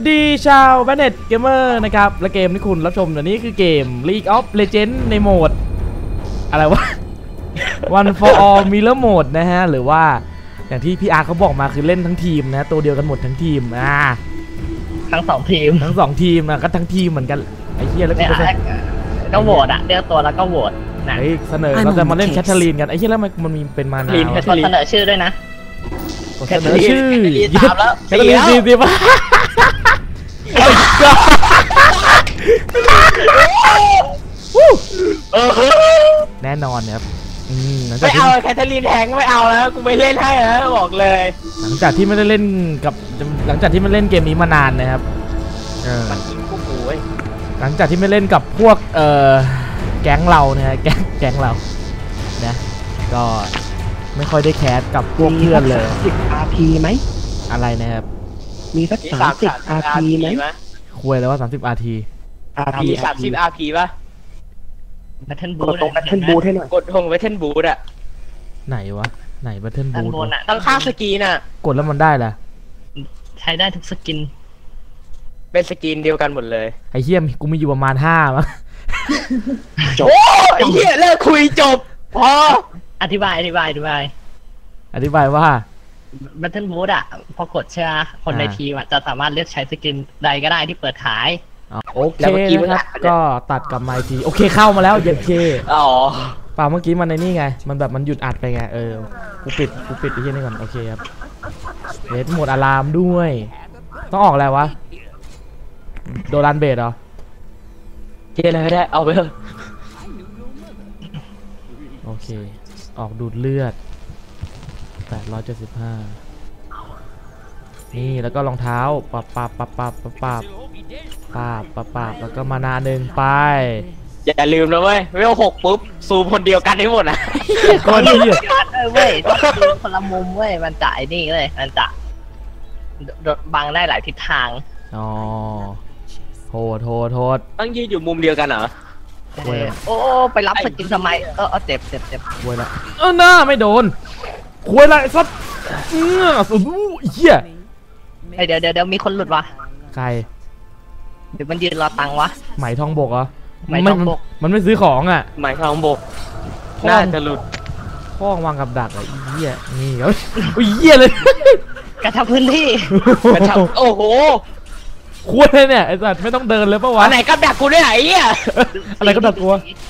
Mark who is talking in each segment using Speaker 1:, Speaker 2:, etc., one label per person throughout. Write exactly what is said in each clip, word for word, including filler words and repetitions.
Speaker 1: วัสดีชาว Banned Gamer นะครับและเกมที่คุณรับชมเดี๋ยวนี้คือเกม League of Legends ในโหมดอะไรวะ One for All Mirror Mode นะฮะหรือว่าอย่างที่พี่อาร์เขาบอกมาคือเล่นทั้งทีมนะตัวเดียวกันหมดทั้งทีมอ่า
Speaker 2: ทั้งสองทีม
Speaker 1: ทั้งสองทีมนะก็ทั้งทีมเหมือนกันไอ้เหี้ยแล้วก็
Speaker 2: ก็โหวตอะเลือกตัวแล้วก็โหวตนะ
Speaker 1: เสนอเราจะมาเล่นแคทเธอรีนกันไอ้เหี้ยแล้วมันมันมีเป็นมานา
Speaker 2: แคทเธอรีนเสนอชื่อด้วยนะ
Speaker 1: เสนอชื่อ
Speaker 2: ตามแล้ว
Speaker 1: แคทเธอรีนสี่สิบแน่นอนครับ
Speaker 2: ไม่เอาแคทเธอรีนแทงไม่เอาแล้วกูไม่เล่นให้แล้วบอกเลย
Speaker 1: หลังจากที่ไม่ได้เล่นกับหลังจากที่ไม่เล่นเกมนี้มานานนะครับ
Speaker 2: มันกินกูกูเว้ย
Speaker 1: หลังจากที่ไม่เล่นกับพวกเอ่อแก๊งเราเนี่ยแก๊งแก๊งเรานะก็ไม่ค่อยได้แคสกับพวกเพื่อนเลย
Speaker 3: สิบ อาร์ พี ไหม
Speaker 1: อะไรนะครับ
Speaker 3: มีสักสามสิบ อาร์ พี ไหม
Speaker 1: คุยเลยว่าสามสิบ อาร์ ที
Speaker 3: อาร์ พี
Speaker 2: สามสิบ อาร์ พี ป่ะแบทเทิลบูท
Speaker 3: ตรงแบทเทิลบูทให้หน่อย
Speaker 2: กดทงแบทเทิลบูทอะ
Speaker 1: ไหนวะไหนแบทเทิลบูท
Speaker 2: ต้องฆ่าสกีน่ะ
Speaker 1: กดแล้วมันได้ล่ะ
Speaker 2: ใช้ได้ทุกสกินเป็นสกินเดียวกันหมดเลย
Speaker 1: ไอ้เหี้ยกูมีอยู่ประมาณห้ามั้ง
Speaker 2: จบไอ้เหี้ยเลิกคุยจบพออธิบายอธิบายอธิบาย
Speaker 1: อธิบายว่า
Speaker 2: แบทเทิลบูทอะพอกดใช่ไหมคนในทีมจะสามารถเลือกใช้สกินใดก็ได้ที่เปิดขาย
Speaker 1: โอเคนะครับก็ตัดกับไมค์ทีโอเคเข้ามาแล้วเย็นเค
Speaker 2: อ๋อ
Speaker 1: เปล่าเมื่อกี้มันในนี่ไงมันแบบมันหยุดอัดไปไงเออกูปิดกูปิดไอ้เหี้ยนี่ก่อนโอเคครับเลสหมดอะลามด้วยต้องออกอะไรวะโดรันเบดเหรอ
Speaker 2: เจ๊อะไรก็ได้เอาไปเถอะ
Speaker 1: โอเคออกดูดเลือดแปดร้อยเจ็ดสิบห้านี่แล้วก็รองเท้าปับปับปับปับปับปับปับปับปับแล้วก็มานาหนึ่งไป
Speaker 2: อย่าลืมนะเว้ยเวลหกปุ๊บซูมคนเดียวกันได้หมดนะ
Speaker 1: คนเดียว
Speaker 2: เว้ยคนละมุมเว้ยมันจะไอ้นี่เลยมันจะบังได้หลายทิศทาง
Speaker 1: อ๋อโทษโทษโทษ
Speaker 2: ต้องยืนอยู่มุมเดียวกันเหรอโอ้ไปรับสกินทำไมเออเจ็บเจ็บเจ็บ
Speaker 1: คุยละเออหน้าไม่โดนคุยละสัตว์เออสุดเหี้ย
Speaker 2: เดี๋ยวเดี๋ยวเดี๋ยวมีคนหลุดวะ
Speaker 1: ใคร
Speaker 2: เดี๋ยวมันยืนรอตังค์วะ
Speaker 1: ไหมทองบกเหรอ
Speaker 2: ไหมทองบก
Speaker 1: มันไม่ซื้อของอ่ะ
Speaker 2: ไหมทองบกน่าจะหลุด
Speaker 1: ข้องวางกับดักไอ้เหี้ยนี่เขาอุ้ยเหี้ยเลย
Speaker 2: กระชับพื้นที่กระชับโอ้โห
Speaker 1: ควรเลยเนี่ยไอ้สัตว์ไม่ต้องเดินเลยปะวะ
Speaker 2: ไหนกับดักกูได้ไหนอ่ะ
Speaker 1: อะไรกับดักกู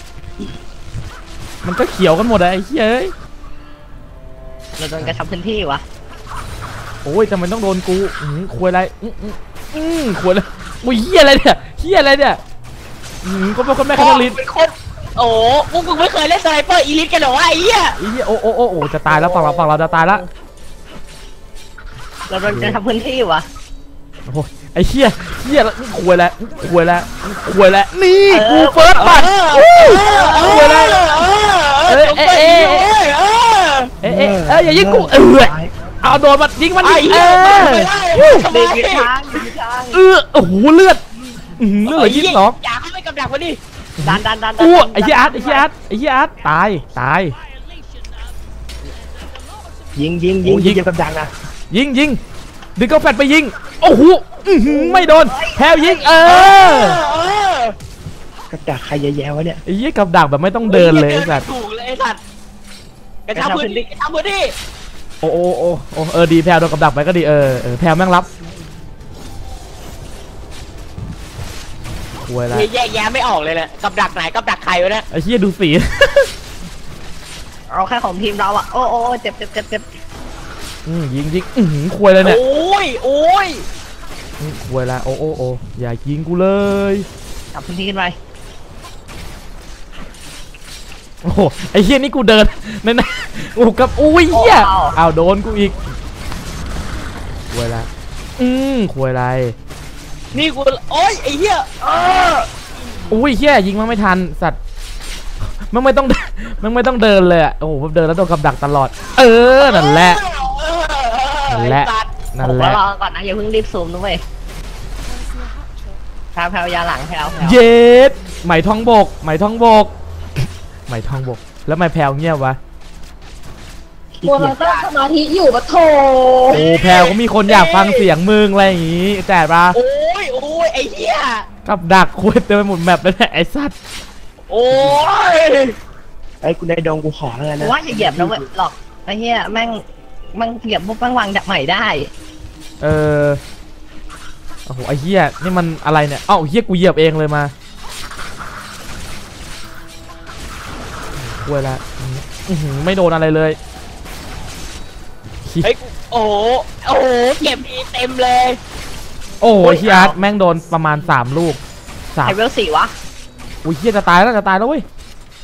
Speaker 1: มันก็เขียวกันหมดไอ้เหี้ย
Speaker 2: เราโดนกระชับพื้นที่วะ
Speaker 1: โอ้ยทำไมต้องโดนกูควรอะไรอืมควรเลยอุ้ยเหี้ยอะไรเนี่ยเหี้ยอะไรเนี่ยก็เป็นคนแม่คาริน
Speaker 2: เป็นคนโอ้พวกมึงไม่เคยเล่นสไนเปอร์อีลิทกันหรอวะไอ้เหี้ย
Speaker 1: ไอ้เหี้ยโอ้โอ้โอ้โอ้จะตายแล้วฝั่งเราฝั่งเราจะตายแล้ว
Speaker 2: เราโดนกระชับพื้นที่วะ
Speaker 1: โอ้ไอ้เหี้ยเหี้ยแล้วควยแล้วควยแล้วควยแล้วนี่กูเฟิร์สบัตรควยแล้วเอ๊ะเอ๊ะเอ๊ะเอ๊ะเอ๊ะเอ๊ะอย่ายิงกูเออเอาโดนมันยิงมันดิเออ
Speaker 2: เด็กช้าง
Speaker 1: เออโอ้โหเลือดเลือดยิงหรอ
Speaker 2: อยากให้ไม่กำดักวะดิดันดันดัน
Speaker 1: อู้ไอ้เหี้ยอาร์ตไอ้เหี้ยอาร์ตไอ้เหี้ยอาร์ตตายตาย
Speaker 3: ยิงยิงยิงยิงกำดักนะ
Speaker 1: ยิงยิงดึงกาแฟไปยิงโอ้โหไม่โดนแพลยิงเอ
Speaker 3: อกระดักใครแย่ๆวะเนี่ย
Speaker 1: ไอ้ยี่กับดักแบบไม่ต้องเดินเลยสัตว์
Speaker 2: ถูกเลยสัตว์กระชับพื้นที่กระชับพื้นที่
Speaker 1: โอ้โอ้โอ้โอ้เออดีแพลโดนกับดักไปก็ดีเออเออแพลแม่งรับคุยอะไร
Speaker 2: แยกแยะไม่ออกเลยแหละกับดักไหนกับดักใครวะเนี่ย
Speaker 1: ไอ้เหี้ยดูสี
Speaker 2: เอาแค่ของทีมเราอะโอ้โอ้เจ็บเจ็บเจ็บเจ็บ
Speaker 1: อืมยิงยิงอืมคุยเลยเนี่ย
Speaker 2: โอ้ยโอ้ย
Speaker 1: คุยละโอ้โอ้โอ้อย่ายิงกูเลย
Speaker 2: จับพื้นที่ขึ้นไป
Speaker 1: โอ้โหไอ้เหี้ยนี่กูเดินนั่นนะโอ้กับอุ้ยเหี้ยเอาโดนกูอีกคุยละอืมคุยอะไร
Speaker 2: นี่กูโอ้ยไอ้เหี้ย
Speaker 1: อุ้ยเหี้ยยิงมันไม่ทันสัตว์มันไม่ต้องมันไม่ต้องเดินเลยอ่ะโอ้โหเดินแล้วโดนกับดักตลอดเออนั่นแหละนั่นแหละนั่นแหละ
Speaker 2: รอก่อนนะอย่าเพิ่งรีบซูมด้วยแพลวแพลวยาหลังแพลว
Speaker 1: เย็ดไหมทองบกไหมทองบกไหมทองบกแล้วไหมแพลวเงียบวะ
Speaker 4: มัวมันตั้งสมาธิอยู่ปะโถ
Speaker 1: โอ้แพลวก็มีคนอยากฟังเสียงมึงอะไรอย่างงี้แจ๋ป่ะ
Speaker 2: โอ้เนี่ย
Speaker 1: กับดักคุยเต็มไปหมดแมปเลยไอ้สัตว์
Speaker 2: โอ้ย
Speaker 3: ไอ้กูในดงกูขอแล้วกัน
Speaker 2: กู
Speaker 3: นะ
Speaker 2: ว่าจะเหยียบนะเว้ยหรอกไอ้เหี้ยแม่งแม่งเหยียบปุ๊บแม่งวางดักใหม่ได้
Speaker 1: เออโอ้โหไอ้เหี้ยนี่มันอะไรเนี่ยเอ้าเหี้ยกูเหยียบเองเลยมาคุยละอื้อหือไม่โดนอะไรเลย
Speaker 5: เฮ้ยโอ้โหโอ้โหเก็บอีเต็มเลย
Speaker 1: โอ้ยเฮียแม่งโดนประมาณสามลูกสาม
Speaker 2: ไฮเวลสี่วะ
Speaker 1: อุ้ยเฮียจะตายแล้วจะตายแล้วเว้ย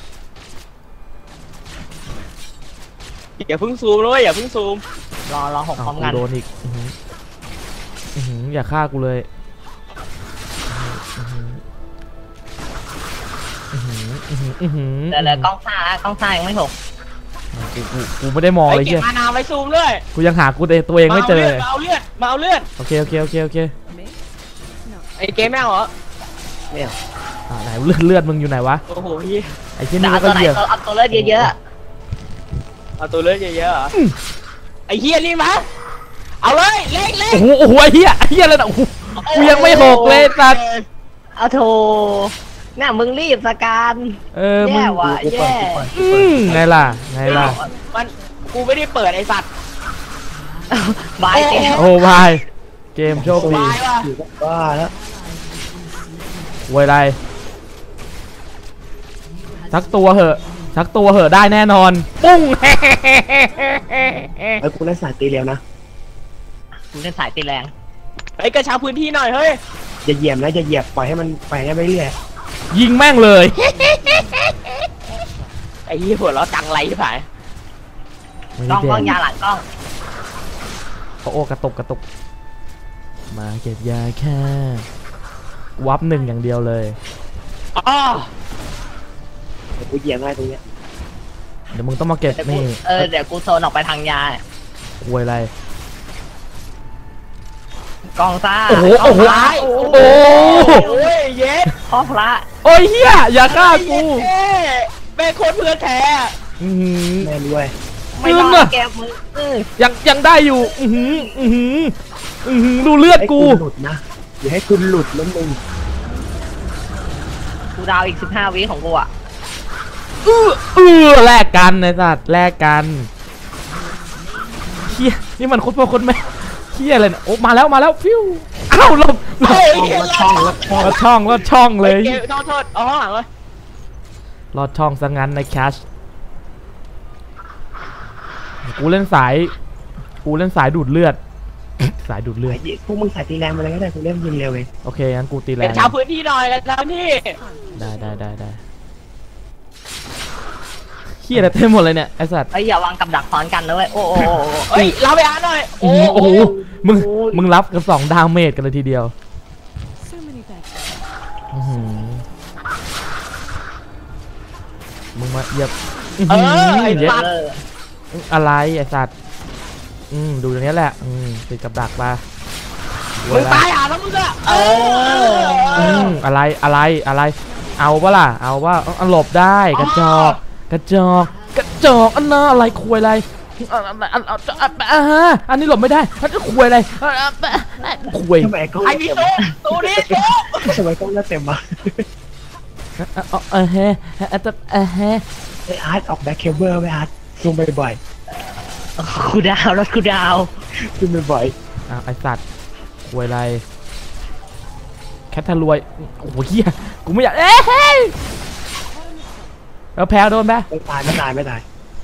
Speaker 5: อย่าเพิ่งซูมเลยอย่าเพิ่งซูม
Speaker 2: รอรอหกพร้อม
Speaker 1: กู
Speaker 2: กัน
Speaker 1: โดนอีกอื้อหืออื้อหืออย่าฆ่ากูเลยอื้อหืออื้อหืออื้อหือ
Speaker 2: เดี๋ยวเดี๋ยวกล้องซ่ากล้องซ่ายังไม่หก
Speaker 1: กูกูกูไม่ได้มอง
Speaker 5: ไอ้
Speaker 1: เลย
Speaker 5: เก็
Speaker 1: เฮี
Speaker 5: บ
Speaker 1: ย
Speaker 5: มานาไว้ซูมด้วย
Speaker 1: กูยังหากูตัวเองไม่เจอเลย
Speaker 5: มาเอาเลือดมาเอาเลือด
Speaker 1: โอเคโอเคโอเคโอเค
Speaker 5: ไอ้เกมแม่งเหรอ
Speaker 1: อ่าไหนเลือดเลือดมึงอยู่ไหนวะ
Speaker 5: โอ้โหพี่
Speaker 1: ไอ้เช่น
Speaker 2: แต่
Speaker 1: นี้
Speaker 2: เอา
Speaker 1: ก็
Speaker 2: ตัวไหน
Speaker 1: เหยียบ
Speaker 2: ตัวเอาตัวเลือดเยอะ
Speaker 5: เอาตัวเลือดเยอะๆเหรอไอ้เฮียนี่มาเอาเลยเล็กเล็ก
Speaker 1: โอ้โหโอ้โหไอ้เฮียไอ้เฮียอะไรนะโอ้โหกูยังไม่หกเลยสัตว์
Speaker 2: ๆเอาโถเนี่ยมึงรีบสการ
Speaker 1: เออมึ
Speaker 2: แย่
Speaker 1: ง
Speaker 2: ว่ะ
Speaker 3: กู
Speaker 2: แย่
Speaker 3: เปิดกู
Speaker 1: อืมไงล่ะไงล่ะ
Speaker 5: มันกูไม่ได้เปิดไอ้สัตว์
Speaker 2: บายเต็ม
Speaker 1: โอ้บายเกมโชคดี
Speaker 5: ตายว่ะ
Speaker 3: อยู่ก็บ้าแล้ว
Speaker 1: ไว้ไรสักตัวเหอะสักตัวเหอะได้แน่นอนปุ้ง
Speaker 3: ไอ้กูเล่นสายตีเร็วนะ
Speaker 2: มึงเป็นสายตีแรง
Speaker 5: ไอ้กระชับพื้นที่หน่อยเฮ้ย
Speaker 3: อย่าเหยียบนะอย่าเหยียบปล่อยให้มันไปให้ไปเรื่อย
Speaker 1: ยิงแม่งเลย
Speaker 5: ไอ้เฮียหัวเราะจังไรที่ผ่าน
Speaker 2: กล้องกล้องยาหลังกล้อง
Speaker 1: โอ้โอกระตุกกระตุกมาเก็บยาแค่วับหนึ่งอย่างเดียวเลย
Speaker 5: อ๋อ
Speaker 3: เดี๋ยวกูเหยียบง่ายตรงเนี้ย
Speaker 1: เดี๋ยวมึงต้องมาเก็บ
Speaker 2: เดี๋ยวกู
Speaker 1: นี่
Speaker 2: เออเดี๋ยวกูโซนออกไปทางยา
Speaker 1: ควยอะไร
Speaker 2: กล้องซ่า
Speaker 1: โอ้โห
Speaker 2: กล้
Speaker 1: โอ้
Speaker 2: ง
Speaker 1: โห
Speaker 2: ซ่า
Speaker 1: โอ้โห
Speaker 5: โอ้ยเย็ด
Speaker 2: พ่อพระ
Speaker 1: โอ้ยเฮียอย่าฆ่ากู
Speaker 5: เอ้ยแม่งโคนเพื่อนแท้
Speaker 1: อื้อหือ
Speaker 3: แม่นด้วย
Speaker 2: ไม่รอ
Speaker 1: มึงอะ
Speaker 2: ดแกมึงเออ
Speaker 1: ยังยังได้อยู่อือหืออือหืออือหือดูเลือด
Speaker 3: ให้
Speaker 1: กู
Speaker 3: หลุดนะอย่าให้คุณหลุดแล้วมึง
Speaker 2: กูดาวอีกสิบห้าวิของกูอ่ะ
Speaker 1: เออเออแลกกันไอ้สัตว์แลกกันเฮียนี่มันโคตรพ่อโคตรแม่เฮียอะไรเนี่ยโอ้มาแล้วมาแล้วฟิวอ้าวหลบหลบ
Speaker 5: เฮ้ย
Speaker 3: ลอดช่องลอดช่อง
Speaker 1: ลอดช่องลอดช่องเลย
Speaker 5: เกมโทษโทษเอาข้างหลังเลย
Speaker 1: ลอดช่องซะงั้นในแคชกูเล่นสายกูเล่นสายดูดเลือด สายดูดเลือด
Speaker 3: พวกมึงสายตีแรงมาเลยก็ได้กูเล่นยิงเร็วเอง
Speaker 1: โอเคงั้นกูตีแร
Speaker 5: เป็น
Speaker 1: ง
Speaker 5: ชาวพื้นที่หน่อยกันชาวพื้นที่
Speaker 1: ได้ได้ได้ได้เฮียอะไรเต็มหมดเลยเนี่ยไอสัตว์
Speaker 2: ไอ้ยอย่าวางกับดักซ้อนกันนะเว้ยโอ้โห
Speaker 5: เฮ้ยเราไปอ่านหน่อย
Speaker 1: โอ้โหโอ้โหมึงมึงรับกันสองดาเมจกันเลยทีเดียวอื้อหือมึงมาเหยียบ
Speaker 5: เออไอ้
Speaker 1: เหยียบ
Speaker 5: สัตว์
Speaker 2: เออ
Speaker 1: อะไรไอสัตว์อืมดูตรงนี้แหละอืมติดกับดักมา
Speaker 5: มึงตายอ่ะแล้วมึงอะเอ
Speaker 1: อื
Speaker 5: อ
Speaker 1: มอะไรอะไรอะไร เอาปะล่ะเอาว่าเอาหลบได้กระจอกกระจอกกระจอกอันน่ะอะไรคุยอะไรอันอันอันอันอ่าฮะอันนี้หลบไม่ได้อันนี้คุยอะไรอ่าอ่าคุย
Speaker 3: ทำไมกล้อง
Speaker 5: ไอ้
Speaker 3: เลื
Speaker 5: พี่
Speaker 3: อดเต็ม
Speaker 5: ตู้ตู้นี้ตู้
Speaker 3: ทำไมกล้องเลือดเต็มวะ
Speaker 1: เออเฮ้เออเออเฮ้
Speaker 3: ไออาร์ตออกแบ็คเคเบิลไว้อาร์ตลงไปบ่อย
Speaker 2: กูดาวรถกูดาว
Speaker 3: ขึ้นไปบ่อย
Speaker 1: อ้าวไอสัตว์คุยอะไรแคททารวยโอ้โหเฮียกูไม่อยากเอ้ยแล้วแพ้โดนไหม
Speaker 3: ไม่ตายไม่ตายไม่ตาย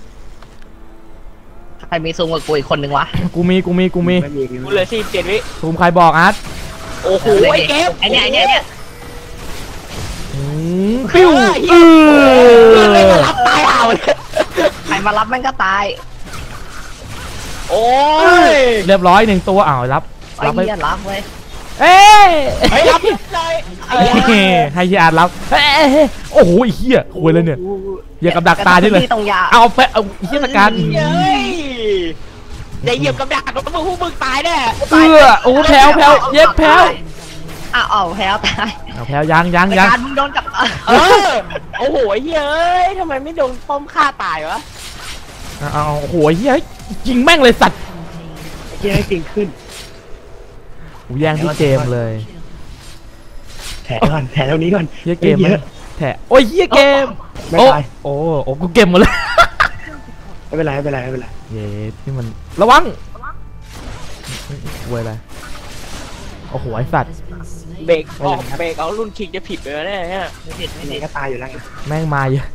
Speaker 2: ใครมีซูมกับกูอีกคนนึงวะ
Speaker 1: กูมีกูมีกูมี
Speaker 3: ไม่มี
Speaker 5: กูเหลือสี่เจ็ดวิ
Speaker 1: ซูมใครบอกอาร์ต
Speaker 5: โอ้โหไอ้เกม
Speaker 2: ไอ้เนี่ยไอ้เนี่ยไอ้เนี่ย
Speaker 1: อืมปิ้วเอ
Speaker 5: ไม่
Speaker 1: อ
Speaker 5: มารับตายเอาเลย
Speaker 2: ใครมารับแม่งก็ตาย
Speaker 5: โอ้ย
Speaker 1: เรียบร้อยหนึ่งตัวอ้าวรับ
Speaker 2: ไอ้
Speaker 1: รับไป
Speaker 2: เหี้ยรับเว้ย
Speaker 1: เอ้ย
Speaker 5: ไปรับเลย
Speaker 1: เอ้ยให้เฮียอาร์ตรับเอ้ยโอ้โหไอ้เฮียคุยเลยเนี่ยเฮียกับดักตาที่เลย
Speaker 2: ที่ตรงยา
Speaker 1: เอาไปเอาเฮียสการ
Speaker 5: เย้ยอย่าเหยียบกับดักแล้วมึงพวกมึงตายแน่
Speaker 1: เออโอ้แพ้วแพ้วเย็บแพ้ว
Speaker 2: อ้าวเอาแพ้วตาย
Speaker 1: เอาแพ้วยังยังยัง
Speaker 2: การมึงโดนกับ
Speaker 5: เออโอ้โหเย้ยทำไมไม่โดนป้อมฆ่าตายวะ
Speaker 1: เอาเอาโอ้โหเฮียยิงแม่งเลยสัตว์
Speaker 3: เกียร์ให้จริงขึ้น
Speaker 1: กูแย่งที่เกมเลย
Speaker 3: แถก่อนแถตรงนี้ก่อน
Speaker 1: เฮียเกม
Speaker 3: เย
Speaker 1: มัน
Speaker 3: อะ
Speaker 1: แถโอ้ยเฮียเกม
Speaker 3: ไม่
Speaker 1: โอ้
Speaker 3: ตาย
Speaker 1: โอ้โอ้กูเกมหมดเลย
Speaker 3: ไม่เป็นไรไม่เป็นไรไม่เป็นไร
Speaker 1: เย้นี่มันระวังเว้ยอะไรโอ้โหไอสัตว์
Speaker 5: เบรกออกเบรกเอารุ่นคิงจะผิดไปแล้วเนี่ย
Speaker 2: ไม่ผิดไม่
Speaker 3: นี่
Speaker 2: ผิด
Speaker 3: ก็ตายอยู่แล้วไง
Speaker 1: แม่งมาเยอะ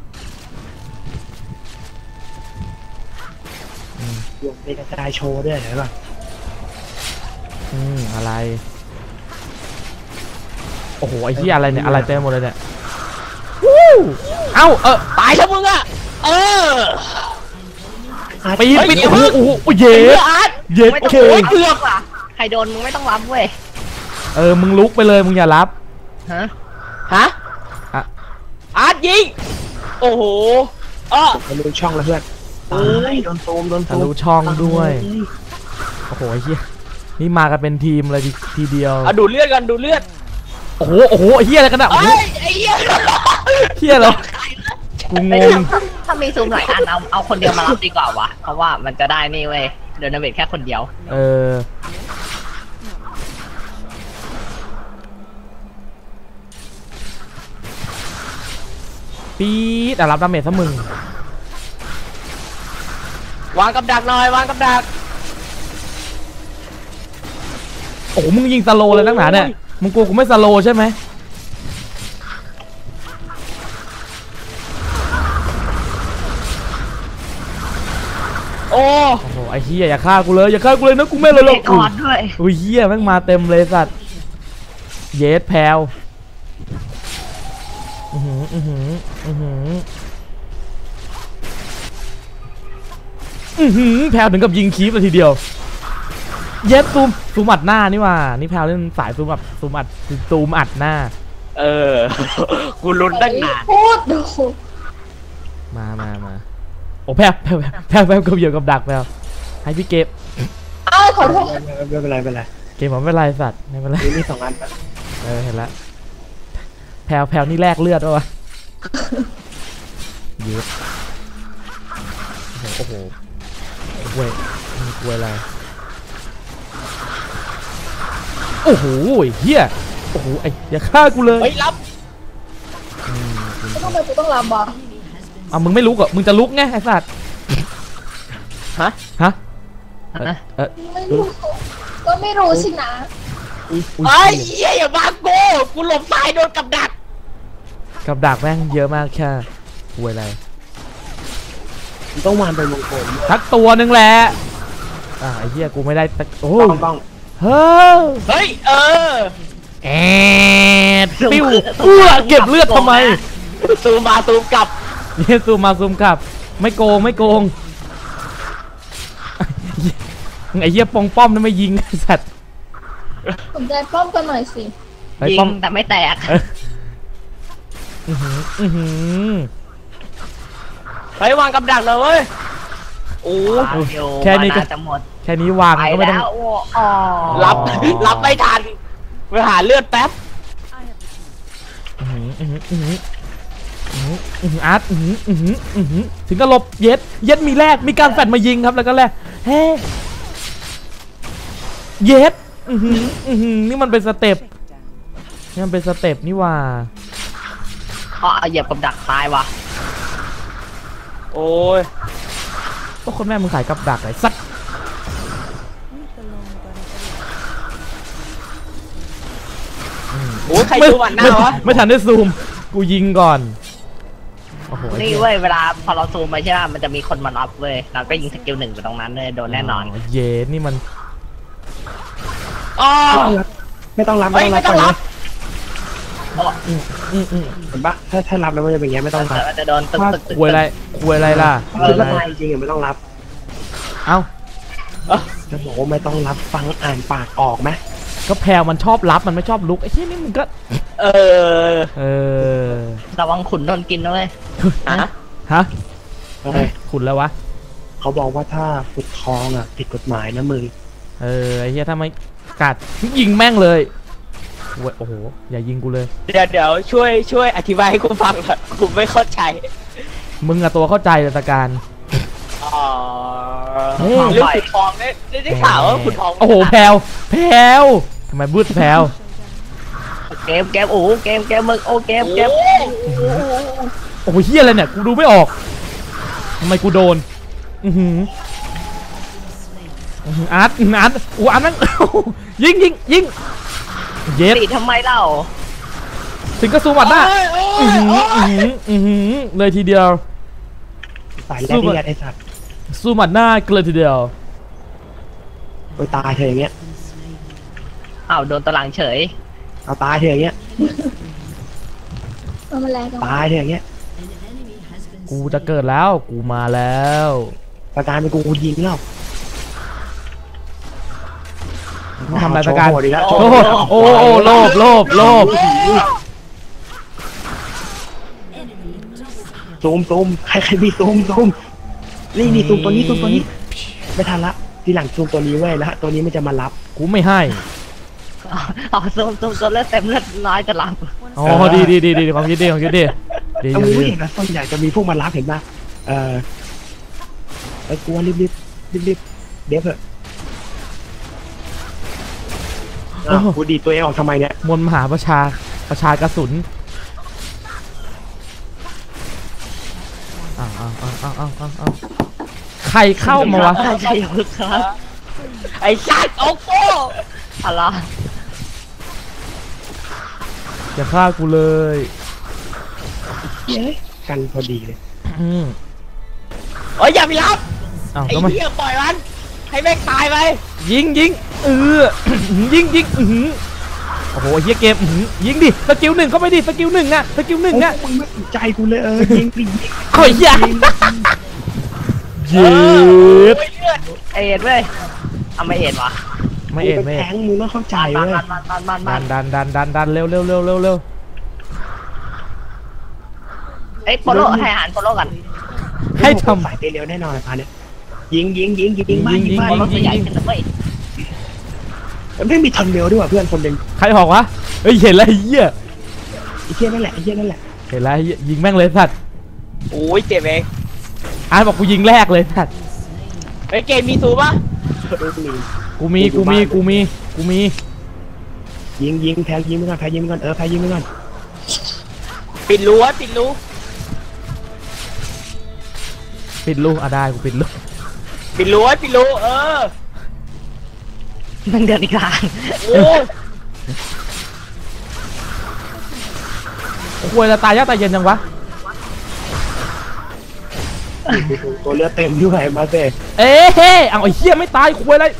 Speaker 3: รวมเป็นกระจายโชว์ด้วยเห็นป่ะ
Speaker 1: อืมอะไรโอ้โหไอ้ที่อะไรเนี่ยอะไรเต็มหมดเลยเนี่ยวู้เอ้าเออ
Speaker 5: ตายซะมึงอ่ะเออ
Speaker 1: ปีน
Speaker 5: เฮ้ย
Speaker 1: ปีน
Speaker 5: เดี๋ยว
Speaker 1: โอ้โหโอ้โหโอ้โหเย็
Speaker 5: เฮ้ย
Speaker 1: ด
Speaker 5: อาร์ต
Speaker 1: เย็ด
Speaker 2: ไม่ต้อง
Speaker 1: เค
Speaker 2: โอ้
Speaker 1: ย
Speaker 2: ยเกือบอ่ะใครโดนมึงไม่ต้องรับเว้ย
Speaker 1: เออมึงลุกไปเลยมึงอย่ารับ
Speaker 2: ฮะ
Speaker 5: ฮะ
Speaker 1: อ่ะ
Speaker 5: อาร์ตยิงโอ้โหเออ
Speaker 3: ทะลุช่องแล้วเพื่อนตายโดนตูมโดน
Speaker 1: ทะ
Speaker 3: ตู
Speaker 1: ลุ
Speaker 3: ม
Speaker 1: ช่องด้วยโอ้โหไอ้เหี้ยนี่มากันเป็นทีมเลยทีทีเดียว
Speaker 5: เอาดูดเลือดกันดูดเลือด
Speaker 1: โอ้โหโอ้โหไอ้เหี้ยอะไรกันอะโอ้
Speaker 5: เอ้
Speaker 1: โห
Speaker 5: ยไอ้เหี้ย
Speaker 1: เหี้ยเหรอกูง
Speaker 2: ไม่
Speaker 1: ง
Speaker 2: ถ้าถ้ามีซูมหลายอันเอาเอาคนเดียวมารับดีกว่าวะเพราะว่ามันจะได้นี่เว้ยเดินนาเวทแค่คนเดียว
Speaker 1: เออปี๊ดอ่ะรับดาเมจซะมึง
Speaker 5: วางกับดักหน่อยวางกับดัก
Speaker 1: โอ้โหมึงยิงสโลว์เลยนักหนาเนี่ยมึงกลัวกูไม่สโลว์ใช่ไหม
Speaker 5: โอ้
Speaker 1: โอ้โหไอ้เหี้ยอย่าฆ่ากูเลยอย่าฆ่ากูเลยนะกูไม่เลยหรอก
Speaker 2: กอดด้วย
Speaker 1: อุ้ยเหี้ยแม่งมาเต็มเลยสัตว์เยสแพลวอือหืออือหืออือหืออือหือแพลวถึงกับยิงคีบเลยทีเดียวเย็ดซูมซูมอัดหน้านี่ว่านี่แพลวเล่นสายซูมอัดซูมอัดซูมอัดหน้า
Speaker 5: เออกูลุ้นตั้งนาน
Speaker 4: พูดดู
Speaker 1: มามามาโอ้แพลวแพลวแพลวแพลวกับเหยียบกับดักแพลวให้พี่เก็บ
Speaker 4: อ้าวขอโทษ
Speaker 3: ไม่เป็นไรไม่เป็นไร
Speaker 1: เกมผมไม่เป็นไรสัตว์ไม่เป็นไร
Speaker 3: มีมีสองอันปะ
Speaker 1: เออเห็นแล้วแพลวแพลวนี่แลกเลือดวะเยอะโอ้โหเว้ยมีกลัวอะไรโอ้โหเฮียโอ้โหไอ้อย่าฆ่ากูเลย
Speaker 5: เฮ้ยรับ
Speaker 1: อืม
Speaker 4: แล้วทำไมกูต้องรับวะ
Speaker 1: อ่ะมึงไม่ลุกเหรอมึงจะลุกไงไอ้สัตว์
Speaker 5: ฮะ
Speaker 1: ฮะเออเออ
Speaker 4: ไม่รู้ก็ไม่รู้สินะ
Speaker 1: อุ๊ย
Speaker 5: ไอ้เหี้ยอย่ามาโก้กูหลบซ้ายโดนกับดัก
Speaker 1: กับดักแม่งเยอะมากแค่กลัวอะไร
Speaker 3: มันต้องวางเป็นวงกลม
Speaker 1: ทักตัวหนึ่งแหละอ่ะไอ้เหี้ยกูไม่ได้สักโอ้
Speaker 3: ต้องต้อง
Speaker 1: เฮ้ย
Speaker 5: เฮ้ยเออ
Speaker 1: แอดปิ้วเอื้อเก็บเลือดทำไม
Speaker 5: ซูมมาซูมกลับ
Speaker 1: เนี่ยซูมมาซูมกลับไม่โกงไม่โกงไอ้เหี้ยปองป้อมนั่นไม่ยิงไอ้สัตว์
Speaker 4: สนใจป้อมกันหน่อยสิ
Speaker 1: ไอ้
Speaker 2: ยิ
Speaker 1: ป้อม
Speaker 2: งแต่ไม่แตก
Speaker 1: เอออื้อหืออื้อหือ
Speaker 5: เฮ้ยวางกับดักเลยเว้ยโอ้
Speaker 1: แค่นี้ก็
Speaker 2: มาาจะหมด
Speaker 1: แค่นี้วาง
Speaker 2: ไป
Speaker 1: ก็ไม่ต้อง
Speaker 2: แล้วโอ้อ๋อ
Speaker 5: รับรับไม่ทันไปหาเลือดแป๊บ
Speaker 1: อื้อหืออื้อหืออื้อหืออื้อหืออื้อหืออาร์ตอื้อหืออื้อหืออื้อหือถึงก็หลบเย็ดเย็ดมีแรกมีการแฟดมายิงครับแล้วก็แรกเฮ้เย็ดอื้อหืออื้อหือนี่มันเป็นสเต็ปนี่มันเป็นสเต็ปนี่ว่า
Speaker 2: อ๋อเหยียบกับดักตายวะ
Speaker 5: โอ้ย
Speaker 1: ก็คนแม่มึงขายกับดักไหนสัก
Speaker 5: โอ้ยใคร
Speaker 1: ไม่
Speaker 5: ดูหวันหน้า
Speaker 1: ไม่
Speaker 5: วะ
Speaker 1: ไม่ทันได้ซูมกูยิงก่อนโอ้โห
Speaker 2: นี่เว้ยเวลาพอเราซูมไปใช่ไหมมันจะมีคนมารับเว้ยเราก็ยิงสกิลหนึ่งไปตรงนั้นเลยโดนแน่นอน
Speaker 1: เย็ดนี่มัน
Speaker 5: อ๋อ
Speaker 3: ไม่ต้องรับ
Speaker 5: เฮ้
Speaker 3: ไม่
Speaker 5: ย
Speaker 3: ต้องรับ
Speaker 5: ไม่ต้องรับ
Speaker 1: อืมอืมอืม
Speaker 3: เห็นปะถ้าถ้ารับแล้วมันจะเป็นอย่างเงี้ยไม่ต้องรับ
Speaker 2: มันจะโดนตึกตึกตึก
Speaker 1: ควยอะไรควยอะไรล่ะค
Speaker 3: คื
Speaker 1: ว
Speaker 3: อย
Speaker 1: อะไร
Speaker 3: ถ้าตายจริงๆไม่ต้องรับ
Speaker 1: เอ้า
Speaker 3: จะบอกว่าไม่ต้องรับฟังอ่านปากออกไหม
Speaker 1: ก็แพลวมันชอบรับมันไม่ชอบลุกไอ้ที่นี่มึงก็
Speaker 5: เออ
Speaker 1: เออ
Speaker 2: ระวังขุนโดนกินนะเว้ย
Speaker 5: ฮะ
Speaker 1: ฮะ
Speaker 3: เฮ้ย
Speaker 1: ขุนแล้ววะ
Speaker 3: เขาบอกว่าถ้าขุดทองอ่ะผิดกฎหมายนะมึง
Speaker 1: เออไอ้เหี้ยถ้าไม่กัดยิงแม่งเลยโอ้ยโอ้โหอย่ายิงกูเลย
Speaker 5: เดี๋ยวเดี๋ยวช่วยช่วยอธิบายให้กูฟังหน่อยกูไม่เข้าใจ
Speaker 1: มึงอะตัวเข้าใจเลยตะการ
Speaker 5: อ๋อ
Speaker 1: เฮ้ย
Speaker 5: เรื่องขุดทองได้ได้ได้ข่าวว่าขุดทอง
Speaker 1: โอ้โหแพลวแพลวทำไมบืดแพลว
Speaker 2: เกมเกมโอ้เกมเกมมึงโอ้เกมเกม
Speaker 1: โอ้โหเฮียอะไรเนี่ยกูดูไม่ออกทำไมกูโดนอือหืออาร์ตอาร์ตอูอาร์ตนั่งยิงยิงยิงเย็ด
Speaker 2: ตีทำไมเล่า
Speaker 1: ถึงกระสูมัดหน้าอือหืออือหืออือหือเลยทีเดียว
Speaker 3: สายแรกที่ไอ้สัตว์
Speaker 1: สู้หมัดหน้าเกลือทีเดียว
Speaker 3: โอ้ยตายเธออย่างเงี้ย
Speaker 2: อ้าวโดนตะหลังเฉย
Speaker 3: เอาตายเธออย่างเงี้ย
Speaker 4: มันมาแรงกัน
Speaker 3: ตายเธออย่างเงี้ย
Speaker 1: กูจะเกิดแล้วกูมาแล้ว
Speaker 3: ประการเป็นกูยิงแล้ว
Speaker 1: ทำอะไรประการ
Speaker 3: โชว์โหดอีแล้ว
Speaker 1: โอ้โหโอ้โหโลภโลภโลภ
Speaker 3: ซูมซูมใครใครมีซูมซูมนี่นี่ซูมตัวนี้ซูมตัวนี้ไม่ทันละทีหลังซูมตัวนี้ไว้แล้วตัวนี้มันจะมารับ
Speaker 1: กูไม่ให้
Speaker 2: อ๋อซูมซูมจนเลือดเต็มเลือดน้อยจะหลับ
Speaker 1: อ๋อดีดีดีดีความคิดดีความคิดดีดี
Speaker 3: เอา
Speaker 1: ดี
Speaker 3: ผู้
Speaker 1: ดี
Speaker 3: เห็นนะส่วนใหญ่จะมีพวกมารับเห็นป่ะเออไอ้กลัวรีบรีบรีบรีบเดี๋ยวเถอะอ้าวกูดีดตัวเองออกทำไมเนี่ย
Speaker 1: มวลมหาประชาประชากระสุนอ้าวอ้าวอ้าวอ้าวอ้าวอ้าวใครเข้ามาวะ
Speaker 2: ใช่ใช่อย่าพึ่งครับ
Speaker 5: ไอ้สัตว์โอ้โห
Speaker 2: อะไร
Speaker 1: อย่าฆ่ากูเลย
Speaker 3: เย้ยกันพอดีเลย
Speaker 1: อืม
Speaker 5: โอ้ยอย่าไปรับ
Speaker 1: อ้าว
Speaker 5: ไอ้
Speaker 1: ทำไม
Speaker 5: เหี้ยปล่อยมันให้แม่งตายไป
Speaker 1: ยิงยิงเออ ยิงยิงอื้อหือโอ้โหเฮียเกมอื้อหือยิงดิสกิลหนึ่งเข้าไปดิสกิลหนึ่งอะสกิลหนึ่งอะ
Speaker 3: โอ้ยมึงไม่สนใจกูเลยเออยิงดิยิง
Speaker 1: โอ้ยเหี้ย เย็ด
Speaker 5: โอ้ยเลือด
Speaker 2: เอ็ดเว้ยเอาไม่เอ็ดวะ
Speaker 1: ไม่เอ็ดไม่
Speaker 3: แท
Speaker 1: เอ็ด
Speaker 3: งมึงต้องเข้าใจ
Speaker 2: บ้าน
Speaker 3: เว้ย
Speaker 2: บ้านบ้านบ้านบ้าน
Speaker 1: ดั
Speaker 2: บ้าน
Speaker 1: นดันดันดันดันเร็วเร็วเร็วเร็วเร็ว
Speaker 2: เอ้ยโปโลให้อาหารโปโลกัน
Speaker 1: ให้ท
Speaker 3: สายเตะเร็วแน่นอนเลยพาเนี่ยยิงยิงยิงยิงบ้านยิงบ้าน
Speaker 2: โปโลตัวใหญ่ขึ้นนะเว้ย
Speaker 3: มันไม่มีทันเร็วด้วยว่ะเพื่อนคนหนึ่ง
Speaker 1: ำใครหอกวะเฮ้ยเห็นแล้วไอ้เหี้ย
Speaker 3: ไอ้เหี้ยนั่นแหละไอ้เหี้ยนั่นแหละ
Speaker 1: เห็นแล้วไอ้เหี้ยยิงแม่งเลยสัตว์
Speaker 5: โอ้ยเจ็บเอง
Speaker 1: อาร์ตบอกกูยิงแรกเลยสัตว์
Speaker 5: ไอ้เกมมีซูปะ
Speaker 1: กูมีกูมีกูมีกูมี
Speaker 3: ยิงยิงแพ้ยิงไปก่อนแพ้ยิงไปก่อนเออแพ้ยิงไปก่อน
Speaker 5: ปิดรั้วปิดรั้ว
Speaker 1: ปิดลูกอ่ะได้กูปิดลูก
Speaker 5: ปิดรั้วปิดรั้วเออ
Speaker 2: มันเดินอีกทาง
Speaker 5: โอ้ย
Speaker 1: ควรจะตายยากตายเย็นจังวะ
Speaker 3: ตัวเลือดเต็มด้วยมาเซ่
Speaker 1: เอ๊ะเฮ้เอาไอ้เหี้ยไม่ตายควรอะไร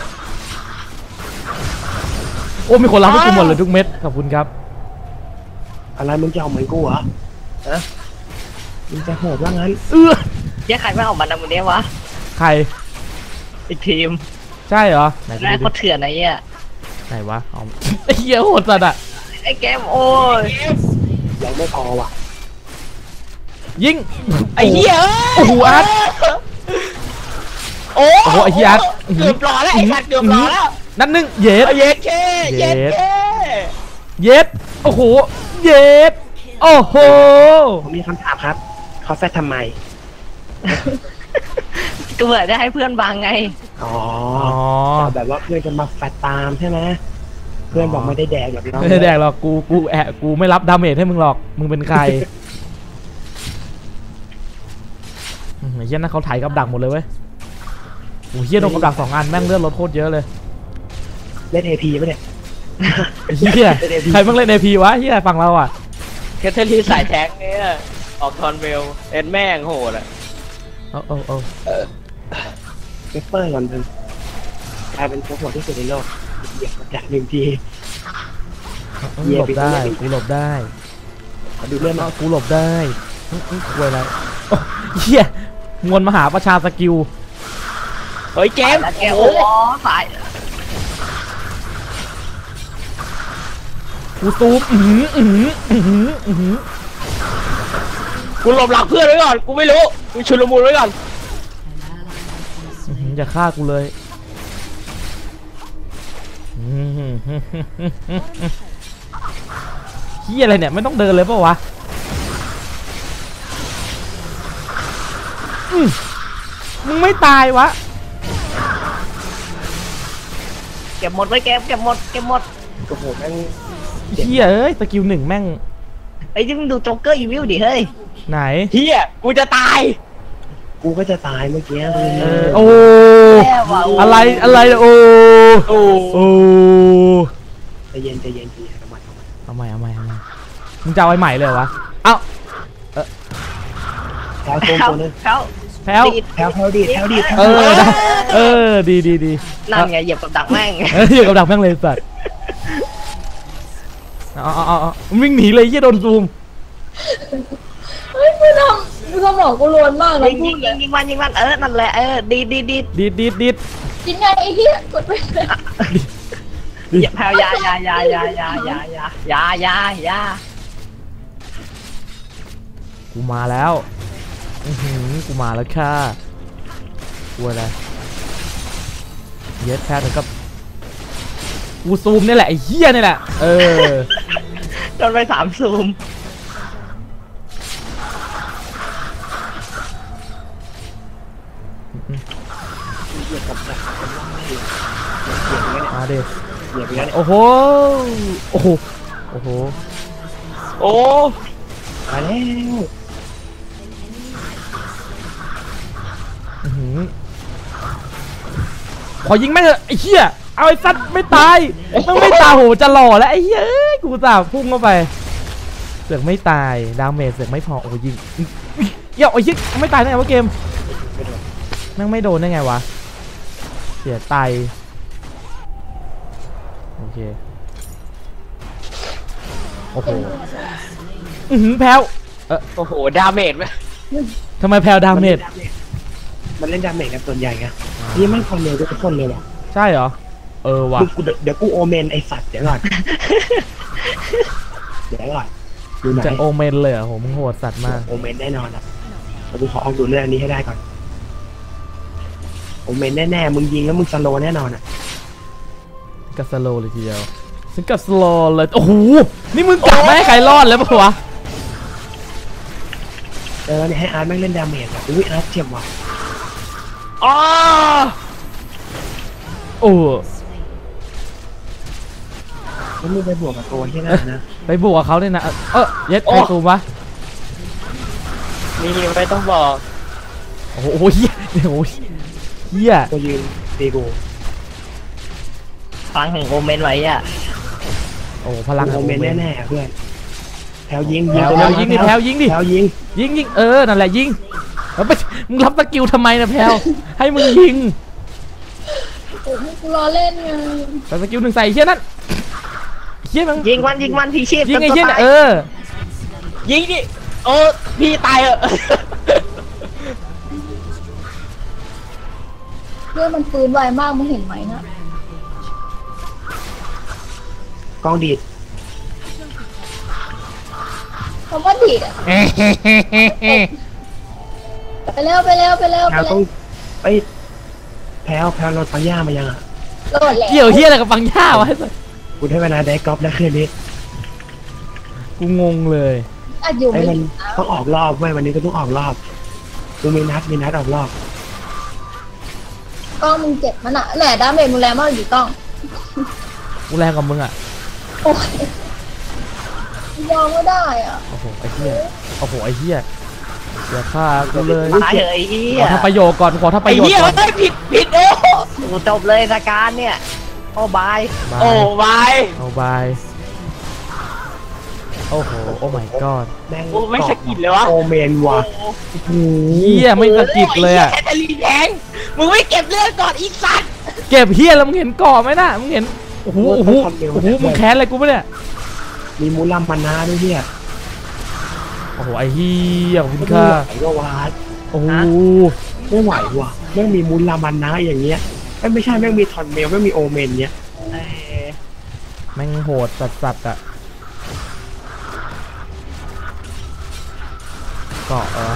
Speaker 1: โอ้มีคนรับให้กูหมดเลยทุกเม็ดขอบคุณครับ
Speaker 3: อะไรมึงจะเอาเหมือนกูเหรอเออมึงจะโหดว่างั้น
Speaker 1: เออ
Speaker 2: เจ๊ใครไม่ออกมาทำวันนี้วะ
Speaker 1: ใคร
Speaker 2: อีกทีม
Speaker 1: ใช่เหรอไหนดู
Speaker 2: แรก
Speaker 1: ดิ
Speaker 2: เขาเถื่อนไอ้เนี่ย
Speaker 1: ไหนวะเอาไอ้เหี้ยโหดสัตว์อะ
Speaker 2: ไอ้เกมโอ้ย
Speaker 3: ยังไม่พอว่ะ
Speaker 1: ยิง
Speaker 5: ไอ้เหี้ย
Speaker 1: โอ้โหอาร์ต
Speaker 5: โอ้
Speaker 1: โอ้โหไอ้เหี้ยอาร์ต
Speaker 5: เกือบรอแล้วไอ้สัตว์เกือบรอแล้ว
Speaker 1: นั่นหนึ่งเย็ด
Speaker 5: เอาเย็ดแค่เย็ดแค่
Speaker 1: เย็ดโอ้โหเย็ดโอ้โห
Speaker 3: ผมมีคำถามครับเขาแฟดทำไม
Speaker 2: ก็เบื่อจะให้เพื่อนบังไง
Speaker 3: อ๋อ
Speaker 1: อ๋อ
Speaker 3: แบบว่าเพื่อนจะมาแฟดตามใช่ไหมเพื่อนบอกไม่ได้แดกแบบเรา
Speaker 1: ไม่ได้แดกหรอกกูกูแอะกูไม่รับดาเมจให้มึงหรอกมึงเป็นใครอืมไอ้เหี้ยนั่นเขาถ่ายกับดักหมดเลยเว้ยโอ้เหี้ยโดนกับดักสองอันแม่งเลือดลดโคตรเยอะเลย
Speaker 3: เล่นเอพีปะเนี่ย
Speaker 1: ไอ้เหี้ยใครเพิ่งเล่นเอพีวะเหี้ยฝั่งเราอ่ะ
Speaker 5: แคทเธอรีนสายแท็กเนี่ยออกทอนเวลเอ็นแม่งโหดอ่ะ
Speaker 1: เอาเอาเอา
Speaker 3: เปเปอร์ก่อนเลยกลายเป็นตัวโหดที่สุดในโลกเหยียบจากหนึ่งที
Speaker 1: หลบได้กูหลบได้
Speaker 3: ขอดูเรื่อง
Speaker 1: เอา
Speaker 3: มา
Speaker 1: กูหลบได้อื้ออื้อคุยอะไรโอ้เหี้ยมวลมหาประชาสกิล
Speaker 5: เฮ้ยเกม
Speaker 2: แล้วเกม
Speaker 5: โอ้
Speaker 2: โอ้สาย
Speaker 1: กูซูมอือหืออือหืออือหืออือหือ
Speaker 5: กูหลบหลังเพื่อนไว้ก่อนกูไม่รู้กูชุลมุนไว้ก่อน
Speaker 1: อื้อหืออย่าฆ่ากูเลยอื้อหือเหี้ยอะไรเนี่ยไม่ต้องเดินเลยเปล่าวะอื้อมึงไม่ตายวะ
Speaker 2: เก็บหมดไว้เกมเก็บหมดเก็บหมด
Speaker 3: โอ้โหแม่ง
Speaker 1: เฮียเอ้ยสกิลหนึ่งแม่ง
Speaker 2: ไอ้ที่มึงดูโจ๊กเกอร์อีวิลดิเฮ้ย
Speaker 1: ไหน
Speaker 5: เฮียกูจะตาย
Speaker 3: กูก็จะตายเมื่อกี้
Speaker 1: เออโอ้
Speaker 2: แย่ว่ะ
Speaker 1: อะไรอะไรโอ้
Speaker 5: โอ้
Speaker 1: โอ้
Speaker 3: ใจเย็นใจเย็นใจเย็นทำไมทำไม
Speaker 1: เอาใหม่เอาใหม่เอาใหม่มึงจะเอาไอ้ใหม่เลยเหรอวะเอ้า
Speaker 3: แถวตูม
Speaker 2: เขา
Speaker 3: ตัวนึง
Speaker 2: เขา
Speaker 1: แพ้ว
Speaker 2: ดีด
Speaker 3: แถวแถวดีแถวดีแถว
Speaker 1: เออได้เออดีดีดี
Speaker 2: นั่นไงเหยียบกับดักแม่ง
Speaker 1: เอออยู่กับดักแม่งเลยสัตว์เอาเอาเอาเอาวิ่งหนีเลยเฮียโดนซูม
Speaker 4: เฮ้ยมึงทำมึงทำหลอกกูรวนมากเลย
Speaker 2: ยิง
Speaker 4: พู
Speaker 2: ยิ
Speaker 4: ด
Speaker 2: ง
Speaker 4: เล
Speaker 2: ยิ
Speaker 4: ย
Speaker 2: งยิงมันยิงมันเออนั่นแหละเออดีดีดี
Speaker 1: ดีดดีดดีด
Speaker 4: กินไงไอ้เหี้ยกดไปเลย
Speaker 2: เหยียบแพลวยายายายายายายายายายา
Speaker 1: กูมาแล้วอือหือกูมาแล้วค่ะกูอะไรเย็ดแพ้ถึงกับกูซูมนี่แหละไอ้เหี้ยนี่แหละเออ
Speaker 2: โดนไปสามซูม
Speaker 3: เหยียบกับดักคนล่างเหยียบเหยียบอย่างเงี้ย
Speaker 1: มาดิ
Speaker 3: เหยียบอย่างเงี้ย
Speaker 1: โอ้โหโอ้โหโอ้โห
Speaker 5: โอ้
Speaker 3: มาแล้ว
Speaker 1: อื้อหือขอยิงแม่งเถอะไอ้เหี้ยเอาไอ้สัตว์ไม่ตายมันไม่ตายโหจะหล่อแล้วไอ้เหี้ยเอ้ยกูจ่าพุ่งเข้าไปเสือกไม่ตายดาเมจเสือกไม่พอโอ้ยิงเหี้ยไอ้เหี้ยไม่ตายได้ไงวะเกม
Speaker 3: ไม่โดน
Speaker 1: แม่งไม่โดนได้ไงวะเสียไตโอเคโอ้โหอือหือแพ้วเออ
Speaker 5: โอ้โหดาเมจไหม
Speaker 1: ทำไมแพ้วดาเมจ
Speaker 3: มันเล่นดาเมจกันส่วนใหญ่ไงนี่มันคอนเนลทุกคนเลยว่ะ
Speaker 1: ใช่เหรอเออว่ะ
Speaker 3: มึงกูเดี๋ยวกูโอเมนไอสัตว์เดี๋ยวก่อนเดี๋ยวก่อนอยู่ไหน
Speaker 1: จะโอเมนเลยเหรอโหมึงโหดสัตว์มาก
Speaker 3: โอเมนแน่นอนอ่ะแต่กูขอเอาดูเรื่องอันนี้ให้ได้ก่อนโอเมนแน่ๆมึงยิงแล้วมึงสโลว์แน่นอนอ่ะ
Speaker 1: กับสโลว์เลยทีเดียวซึ่งกับสโลว์เลยโอ้โหนี่มึงกลับไม่ให้ใครรอดแล้วปะวะ
Speaker 3: เออเนี่ยให้อาร์ตแม่งเล่นดาเมจอ่ะอุ้ยอาร์ตเจ็บว่ะ
Speaker 5: อ๋อ
Speaker 1: โอ้
Speaker 3: แล้วมึงไปบวกกับตัวที่นั่นนะ
Speaker 1: ไปบวกกับเขาเนี่ยนะเออเย็ดใครซูมวะ
Speaker 5: นี่ไม่ต้องบอก
Speaker 1: โอ้โหเฮียโอ้โหเฮีย
Speaker 3: ตัวยืนตีกู
Speaker 2: ฟังของโอเมนไว้อ่ะ
Speaker 1: โอ้พลัง
Speaker 3: โอเมนแน่ๆเพื่อนแถวยิง
Speaker 1: แถวยิงดิแถวยิงดิ
Speaker 3: แถวยิง
Speaker 1: ยิงยิงเออนั่นแหละยิงแล้วไปมึงรับสกิลทำไมนะแพลวให้มึงยิง
Speaker 4: โอ้ยกูรอเล่นไง
Speaker 1: แต่สกิลหนึ่งใส่ไอ้เฮียนั่นเฮียมึง
Speaker 2: ยิงมันยิงมันพีชีพ
Speaker 1: ยิงไอ้
Speaker 2: จน
Speaker 1: เฮีย
Speaker 2: ตัว
Speaker 1: น่ะ
Speaker 2: ตาย
Speaker 1: เออ
Speaker 5: ยิงดิโอ้พี่ตายเหอะ
Speaker 4: เพื่อนมันฟื้นไวมากมึงเห็นไหมนะ
Speaker 3: กองดีด
Speaker 4: คำว่าดีดอะไปเร็วไปเร็วไปเร็ว
Speaker 3: แถ
Speaker 4: ไป
Speaker 3: ว
Speaker 4: เร็
Speaker 3: ต้อ
Speaker 4: ว
Speaker 3: งไปแถวแถวรถปังย่ามายังอ่ะ
Speaker 4: โหลดแล้ว
Speaker 1: เกี่ยวเฮียอะไรกับฟังย่าวะ
Speaker 3: กูได้เวลาได้กอล์ฟแล้วคืนนี้
Speaker 1: กูงงเลย
Speaker 4: อัดอยู่
Speaker 3: ไอ้
Speaker 4: ไม่
Speaker 3: มัน
Speaker 4: ดีนะ
Speaker 3: ต้องออกรอบเว้ยวันนี้ก็ต้องออกรอบกูมีนัดมีนัดออกรอบ
Speaker 4: กล้องมึงเจ็บมันอะแหละดาเมจมึงแรงมากอยู่กล้อง
Speaker 1: กูแรงกับมึงอ่ะ
Speaker 4: โอ้ยยอมไม่ได้อ่ะ
Speaker 1: โอ้โหไอ้เฮียโอ้โหไอ้เฮียอย่าฆ่ากูเลย
Speaker 2: ตายเหอะไอ้เหี้
Speaker 1: ข
Speaker 2: ย
Speaker 1: อทำประโยชน์ก่อนขอทำป
Speaker 5: ไอ้
Speaker 1: ระโยช
Speaker 5: เหี้
Speaker 1: น์
Speaker 5: ย
Speaker 1: ก่อน
Speaker 5: เฮ้ยผิดผิดโอ้
Speaker 2: โอ้จบเลยรายการเนี่ยโอ้บาย
Speaker 1: บาย
Speaker 5: โอ้วาย
Speaker 1: เอาบายโอ้โหโอ้ my god
Speaker 3: แม่ง
Speaker 5: โอ้ไม่สะกิดเลยวะ
Speaker 3: โอเมนว่ะ
Speaker 1: โอ้โหเฮียไม่สะกิดเลยอ่ะ
Speaker 5: แคทเธอรีนแทงมึงไม่เก็บเลือดก่อนอีกสัตว์
Speaker 1: เก็บเฮียแล้วมึงเห็นก่อไหมน่ะมึงเห็นโอ้โหโอ้โหโอ้โหมึงแค้นอะไรกูปะเนี่ย
Speaker 3: มีมูลัมมานาด้วยเนี่ย
Speaker 1: โอ้โหไอ้เฮียขอบคุณ
Speaker 3: ไม่
Speaker 1: ค่ะ
Speaker 3: ไหวก็วาด
Speaker 1: โอ้โห
Speaker 3: ไม่ไหวว่ะแม่งมีมูลัมมานาอย่างเงี้ยเอ้ยไม่ใช่แม่งมีทอนเมลแม่งมีโอเมนเนี้ย
Speaker 2: เอ้ย
Speaker 1: แม่งโหดสัสสัสๆอ่ะเกาะเออ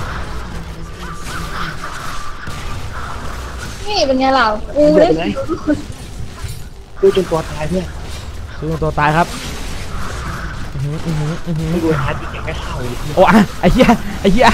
Speaker 4: นี่เป็นไงล่ะกู
Speaker 3: เดื
Speaker 4: ได้
Speaker 3: อดเลยดูจนตัวตายเพื่อน
Speaker 1: คือตัวตายครับอื้อหืออื้อหืออื้อหือ
Speaker 3: ไม่ดูฮาร์ดอีกอย่างไม่เข้าเลย
Speaker 1: โอ้อะไอ้เหี้ยไอ้เหี้ย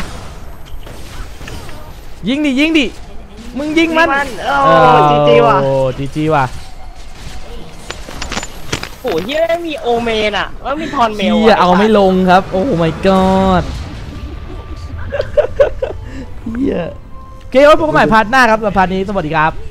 Speaker 1: ยิงดิยิงดิมึงยิงมัน
Speaker 2: โอ้จีจีว่ะ
Speaker 1: โอ้จีจีว่ะ
Speaker 5: โอ้เฮียไม่มีโอเมนอ่ะแล้วมีทอนเมล
Speaker 1: เฮียเอาไม่ลงครับโอ้ my god เฮียโอเคไว้พบกันใหม่พาร์ทหน้าครับสำหรับพาร์ทนี้สวัสดีครับ